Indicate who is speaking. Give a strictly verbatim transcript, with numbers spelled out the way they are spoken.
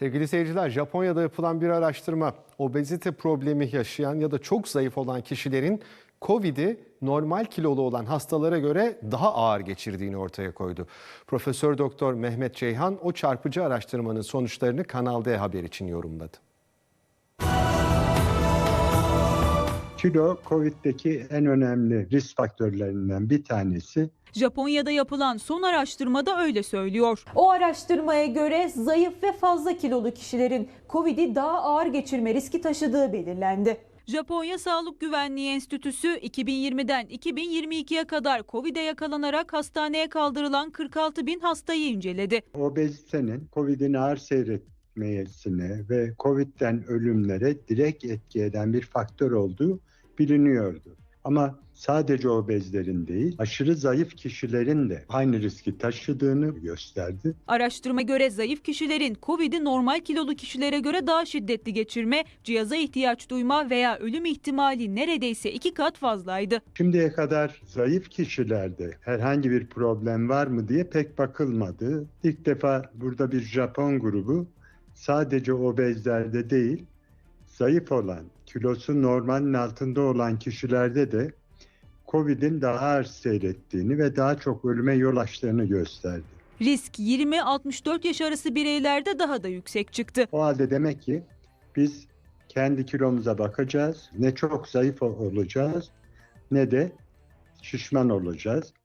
Speaker 1: Sevgili seyirciler, Japonya'da yapılan bir araştırma, obezite problemi yaşayan ya da çok zayıf olan kişilerin Covid'i normal kilolu olan hastalara göre daha ağır geçirdiğini ortaya koydu. Profesör Doktor Mehmet Ceyhan o çarpıcı araştırmanın sonuçlarını Kanal D Haber için yorumladı.
Speaker 2: Kilo, Covid'deki en önemli risk faktörlerinden bir tanesi.
Speaker 3: Japonya'da yapılan son araştırmada öyle söylüyor.
Speaker 4: O araştırmaya göre zayıf ve fazla kilolu kişilerin Covid'i daha ağır geçirme riski taşıdığı belirlendi.
Speaker 3: Japonya Sağlık Güvenliği Enstitüsü iki bin yirmiden iki bin yirmi ikiye kadar Covid'e yakalanarak hastaneye kaldırılan kırk altı bin hastayı inceledi.
Speaker 2: Obezitenin Covid'in ağır seyretmesine ve Covid'den ölümlere direkt etki eden bir faktör olduğu biliniyordu. Ama sadece obezlerin değil, aşırı zayıf kişilerin de aynı riski taşıdığını gösterdi.
Speaker 3: Araştırma göre zayıf kişilerin Covid'i normal kilolu kişilere göre daha şiddetli geçirme, cihaza ihtiyaç duyma veya ölüm ihtimali neredeyse iki kat fazlaydı.
Speaker 2: Şimdiye kadar zayıf kişilerde herhangi bir problem var mı diye pek bakılmadı. İlk defa burada bir Japon grubu sadece obezlerde değil, zayıf olan, kilosu normalin altında olan kişilerde de Covid'in daha ağır seyrettiğini ve daha çok ölüme yol açtığını gösterdi.
Speaker 3: Risk yirmi altmış dört yaş arası bireylerde daha da yüksek çıktı.
Speaker 2: O halde demek ki biz kendi kilomuza bakacağız, ne çok zayıf olacağız ne de şişman olacağız.